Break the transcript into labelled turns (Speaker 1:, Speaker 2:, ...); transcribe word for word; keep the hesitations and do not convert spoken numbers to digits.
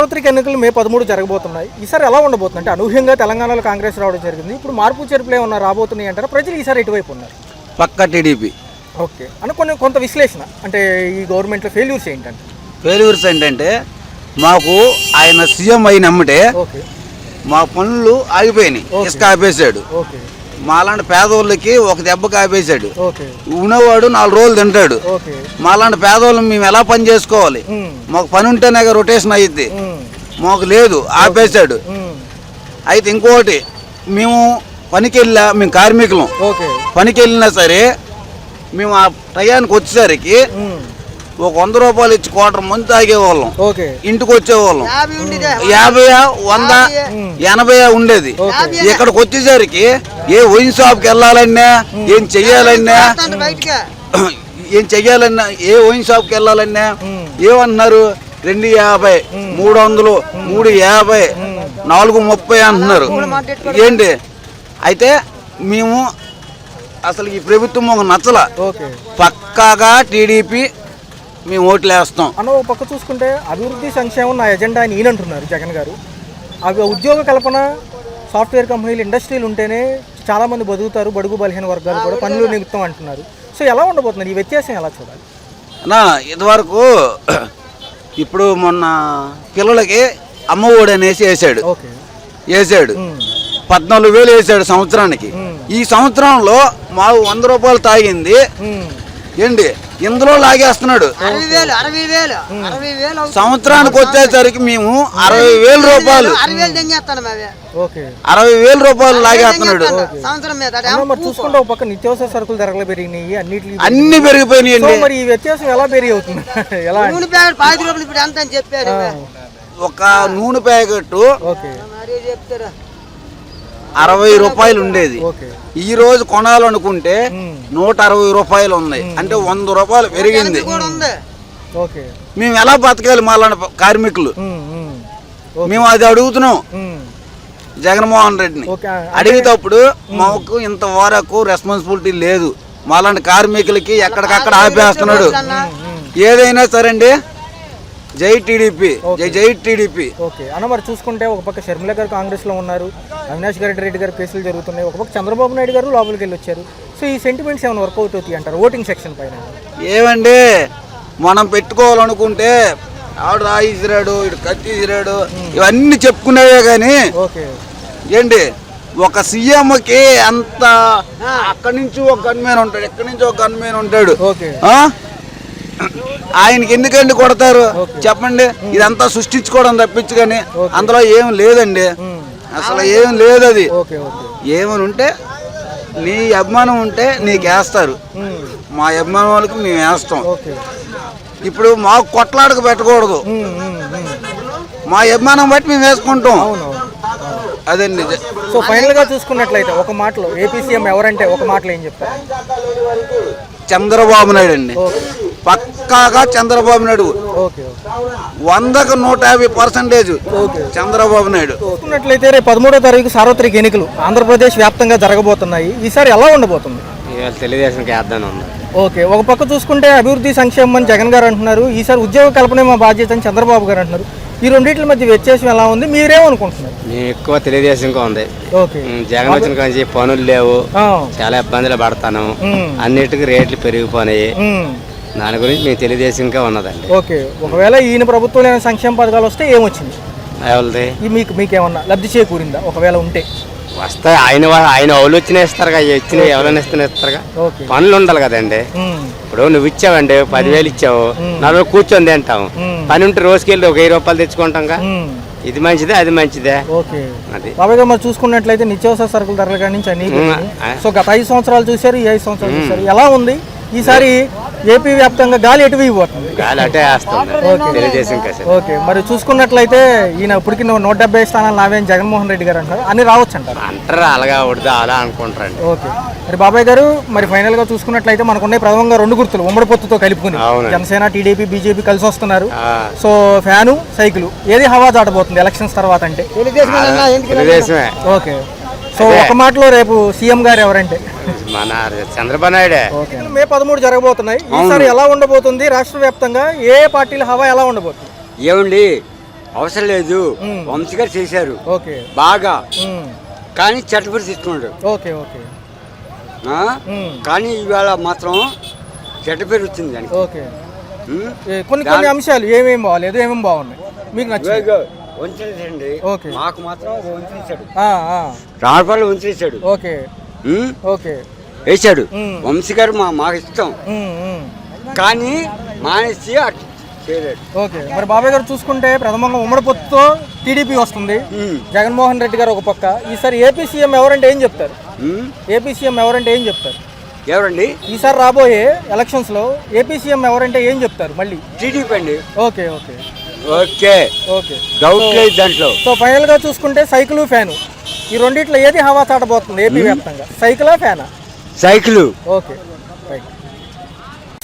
Speaker 1: సార్వత్రిక ఎన్నికలు మే పదమూడు జరగబోతున్నాయి. ఈసారి ఎలా ఉండబోతుంది అంటే అనూహ్యంగా తెలంగాణలో కాంగ్రెస్ రావడం జరిగింది. ఇప్పుడు మార్పు చేర్పులు ఏమన్నా రాబోతున్నాయి అంటారా? ప్రజలు ఈసారి ఎటువైపు ఉన్నారు?
Speaker 2: పక్క టీడీపీ.
Speaker 1: ఓకే అని కొన్ని కొంత విశ్లేషణ అంటే ఈ గవర్నమెంట్లో ఫెయిల్యూర్స్ ఏంటంటే
Speaker 2: ఫెయిల్యూర్స్ ఏంటంటే మాకు ఆయన సీఎం అయినమ్మటే
Speaker 1: ఓకే
Speaker 2: మా పనులు ఆగిపోయినాయి. ఇసుక ఆపేశాడు.
Speaker 1: ఓకే
Speaker 2: మాలాంటి పేదోళ్ళకి ఒక దెబ్బకి ఆపేశాడు.
Speaker 1: ఓకే
Speaker 2: ఉన్నవాడు నాలుగు రోజులు తింటాడు.
Speaker 1: ఓకే
Speaker 2: మాలాంటి పేదోళ్ళని మేము ఎలా పని చేసుకోవాలి? మాకు పని ఉంటేనే రొటేషన్ అయ్యిద్ది. మాకు లేదు, ఆపేశాడు. అయితే ఇంకోటి, మేము పనికి వెళ్ళా, మేము కార్మికులం, పనికి వెళ్ళినా సరే మేము ఆ టయానికి వచ్చేసరికి ఒక వంద రూపాయలు ఇచ్చి క్వార్టర్ మంది తాగేవాళ్ళం. ఇంటికి వచ్చేవాళ్ళం యాభై వంద ఎనభై ఉండేది. ఇక్కడికి వచ్చేసరికి ఏ వైన్ షాప్కి వెళ్ళాలన్నా, ఏం చెయ్యాలన్నా ఏం చెయ్యాలన్నా ఏ వైన్ షాప్కి వెళ్ళాలన్నా ఏమన్నారు? రెండు యాభై, మూడు వందలు, మూడు యాభై, నాలుగు ముప్పై అంటున్నారు. ఏంటి అయితే మేము అసలు ఈ ప్రభుత్వం ఒక నచ్చల. పక్కాగా టీడీపీ మేము ఓట్లు వేస్తాం
Speaker 1: అన్న. ఒక పక్క చూసుకుంటే అభివృద్ధి సంక్షేమం నా ఎజెండా అని ఈయనంటున్నారు జగన్ గారు. అవి ఉద్యోగ కల్పన, సాఫ్ట్వేర్ కంపెనీలు, ఇండస్ట్రీలు ఉంటేనే చాలామంది బతుకుతారు, బడుగు బలహీన వర్గాలు కూడా పనులు నిమిత్తం అంటున్నారు. సో ఎలా ఉండబోతున్నారు? ఈ వ్యత్యాసం ఎలా చూడాలి
Speaker 2: అన్నా? ఇదివరకు ఇప్పుడు మొన్న పిల్లలకి అమ్మఒడి అనేసి వేసాడు వేసాడు పద్నాలుగు వేలు వేసాడు సంవత్సరానికి. ఈ సంవత్సరంలో మా వంద రూపాయలు తాగింది ఏంటి ఇందులో లాగేస్తున్నాడు. సంవత్సరానికి వచ్చేసరికి మేము అరవై వేల రూపాయలు అరవై వేల రూపాయలు లాగేస్తున్నాడు.
Speaker 1: చూసుకుంటే ఒక పక్క నిత్యావసర సరుకులు ధరలు పెరిగినాయి, అన్నిటి
Speaker 2: అన్ని పెరిగిపోయినాయి.
Speaker 1: మరి ఈ వ్యత్యాసం ఎలా పెరిగి అవుతుంది? ఎలా
Speaker 2: ఒక నూనె ప్యాకెట్ అరవై రూపాయలు ఉండేది, ఈ రోజు కొనాలనుకుంటే నూట అరవై రూపాయలు ఉన్నాయి. అంటే వంద రూపాయలు పెరిగింది. మేము ఎలా బతకాలి? మాలాంటి కార్మికులు మేము అది అడుగుతున్నాం జగన్మోహన్ రెడ్డిని. అడిగేటప్పుడు మాకు ఇంతవరకు రెస్పాన్సిబిలిటీ లేదు. మాలాంటి కార్మికులకి ఎక్కడికక్కడ ఆపేస్తున్నాడు. ఏదైనా సరే అండి, జై టీడీపీ, జై జై టీడీపీ.
Speaker 1: ఓకే అన్న. మరి చూసుకుంటే ఒక పక్క షర్మిల గారు కాంగ్రెస్ లో ఉన్నారు, అవినాష్ గారి రెడ్డి గారు కేసులు జరుగుతున్నాయి, ఒక పక్క చంద్రబాబు నాయుడు గారు లోపలికి వెళ్ళి వచ్చారు. సో ఈ సెంటిమెంట్స్ ఏమైనా వర్కౌట్ అవుతాయి అంటారు ఓటింగ్ సెక్షన్ పైన?
Speaker 2: ఏమండి, మనం పెట్టుకోవాలనుకుంటే ఆవిడ రాయి ఇసిరాడు, ఇటు కత్తి ఇసిరాడు, ఇవన్నీ చెప్పుకునేవే కానీ ఏంటి ఒక సీఎంకి అంత అక్కడి నుంచి ఒక గన్మేన్ ఉంటాడు, ఎక్కడి నుంచి ఒక గన్మేన్ ఉంటాడు. ఆయనకి ఎందుకండి కొడతారు చెప్పండి? ఇదంతా సృష్టించుకోవడం తప్పించు కానీ అందులో ఏం లేదండి, అసలు ఏం లేదు. అది ఏమని ఉంటే నీ అభిమానం ఉంటే నీకు వేస్తారు, మా అభిమానం వాళ్ళకి మేము వేస్తాం. ఇప్పుడు మాకు కొట్లాడకు పెట్టకూడదు, మా అభిమానం బట్టి మేము వేసుకుంటాం. అదండి.
Speaker 1: సో ఫైనల్ గా చూసుకున్నట్లయితే ఒక మాటలో ఏపీ సీఎం ఎవరంటే ఒక మాటలో ఏం చెప్తారు?
Speaker 2: చంద్రబాబు నాయుడు అండి. పక్కాగా చంద్రబాబు నాయుడు, వందకు నూట యాభై పర్సెంటేజ్ చంద్రబాబు నాయుడు.
Speaker 1: చూసుకున్నట్లయితే రేపు పదమూడో తారీఖు సార్వత్రిక ఎన్నికలు ఆంధ్రప్రదేశ్ వ్యాప్తంగా జరగబోతున్నాయి. ఈసారి ఎలా ఉండబోతుంది?
Speaker 3: తెలుగుదేశం.
Speaker 1: ఓకే. ఒక పక్క చూసుకుంటే అభివృద్ధి సంక్షేమం అని జగన్ గారు అంటున్నారు, ఈసారి ఉద్యోగ కల్పనే మా బాధ్యత అని చంద్రబాబు గారు అంటున్నారు. ఈ రెండింటి మధ్య వ్యత్యాసం ఎలా ఉంది? మీరేమనుకుంటున్నారు?
Speaker 3: మేము ఎక్కువ తెలుగుదేశంగా ఉంది. జగన్ వచ్చిన కానీ పనులు లేవు, చాలా ఇబ్బందులు పడతాను, అన్నిటికీ రేట్లు పెరిగిపోయినాయి. దాని గురించి మేము తెలుగుదేశంగా ఉన్నదండి.
Speaker 1: ఓకే. ఒకవేళ ఈయన ప్రభుత్వం సంక్షేమ పథకాలు వస్తే ఏమొచ్చింది?
Speaker 3: ఎవరిది?
Speaker 1: మీకు మీకేమన్నా లబ్ధి చేకూరిందా ఒకవేళ ఉంటే?
Speaker 3: వస్తాయి. ఆయన ఆయన వాళ్ళు వచ్చిన ఇస్తారుగా, ఇచ్చిన ఎవరైనా ఇస్తున్నా ఇస్తారుగా. పనులు ఉండాలి కదండి. ఇప్పుడు నువ్వు ఇచ్చావండి, పదివేలు ఇచ్చావు, నలుగురు కూర్చొని తింటాం. పని ఉంటే రోజుకి వెళ్ళి ఒక వెయ్యి రూపాయలు తెచ్చుకుంటాంగా. ఇది మంచిదే, అది మంచిదే.
Speaker 1: అది బాబాయ్ గారు మరి చూసుకున్నట్లయితే నిత్యావసర సరుకుల ధరల కాడి నుంచి అన్ని సో గత ఐదు సంవత్సరాలు చూశారు, ఈ ఐదు సంవత్సరాలు చూశారు, ఎలా ఉంది? ఈసారి ఏపీ వ్యాప్తంగా గాలి ఎటు పోతుంది?
Speaker 3: గాలి అటే వేస్తుంది.
Speaker 1: ఓకే. మరి చూసుకున్నట్లయితే ఈయన ఇప్పటికి నూట డెబ్బై స్థానాలు నావేం జగన్మోహన్ రెడ్డి గారు అంటారు, అన్ని రావచ్చు అంటారు
Speaker 3: అంటారు అలాగా ఉడదా అలా అనుకుంటారు.
Speaker 1: ఓకే. మరి బాబాయ్ గారు మరి ఫైనల్ గా చూసుకున్నట్లయితే మనకున్న ప్రధానంగా రెండు గుర్తులు ఉమ్మడి పొత్తుతో కలుపుకుని జనసేన, టీడీపీ, బీజేపీ కలిసి వస్తున్నారు. సో ఫ్యాను, సైకిల్ ఏది హవా దాటబోతుంది ఎలక్షన్స్ తర్వాత అంటే?
Speaker 3: తెలుగుదేశమే.
Speaker 1: ఓకే. సో ఒక మాటలో రేపు సీఎం గారు ఎవరంటే?
Speaker 3: మన చంద్రబాబు నాయుడే.
Speaker 1: మే పదమూడు జరగబోతున్నాయి. ఈసారి ఎలా ఉండబోతుంది రాష్ట్ర వ్యాప్తంగా? ఏ పార్టీల హవా ఎలా ఉండబోతుంది?
Speaker 4: ఏమండి, అవసరం లేదు.
Speaker 1: మ్మ్.
Speaker 4: వంశీ గారు చేశారు
Speaker 1: ఓకే
Speaker 4: బాగా,
Speaker 1: మ్మ్.
Speaker 4: కానీ చెట్టపడి తీసుకున్నాడు.
Speaker 1: ఓకే ఓకే
Speaker 4: ఆ?
Speaker 1: మ్మ్.
Speaker 4: కానీ ఇవాళ మాత్రం చెడ్డ పేరు వచ్చింది దానికి.
Speaker 1: ఓకే
Speaker 4: మ్మ్?
Speaker 1: ఏ, కొన్ని కొన్ని అంశాలు ఏమేమి బాగాలేదు ఏమేమి బాగున్నాయి మీకు నచ్చింది?
Speaker 4: ఇదిగో వంచేసాడండి.
Speaker 1: ఓకే.
Speaker 4: మాకు మాత్రం వంచేసాడు,
Speaker 1: ఆ, ఆ.
Speaker 4: రాళ్ళపాళ్ళు వంచేసాడు.
Speaker 1: ఓకే
Speaker 4: మ్మ్?
Speaker 1: ఓకే
Speaker 4: వేసాడు.
Speaker 1: మ్మ్.
Speaker 4: వంశీ గారు మా మాకు ఇష్టం,
Speaker 1: మ్మ్, మ్మ్.
Speaker 4: కానీ మానేసి అటు చేయలేడు.
Speaker 1: ఓకే మరి బాబాయ్ గారు చూసుకుంటే ప్రథమంగా ఉమ్మడి పొత్తుతో టీడీపీ వస్తుంది,
Speaker 4: మ్మ్.
Speaker 1: జగన్మోహన్ రెడ్డి గారు ఒక పక్క. ఈసారి ఏపీ సీఎం ఎవరంటే ఏం చెప్తారు?
Speaker 4: మ్మ్?
Speaker 1: ఏపీ సీఎం ఎవరంటే ఏం చెప్తారు?
Speaker 4: ఎవరండి?
Speaker 1: ఈసారి రాబోయే ఎలక్షన్స్ లో ఏపీ సీఎం ఎవరంటే ఏం చెప్తారు మళ్ళీ?
Speaker 4: టీడీపీ అండి.
Speaker 1: Okay okay
Speaker 4: okay,
Speaker 1: okay
Speaker 4: doubt లేదు దాంట్లో.
Speaker 1: సో ఫైనల్ గా చూసుకుంటే సైకిల్ ఫ్యాను ఈ రెండిట్లో ఏది హవా చాటబోతుంది ఏపీ వ్యాప్తంగా? సైకిలా ఫ్యానా?
Speaker 4: సైకిల్.
Speaker 1: Okay right.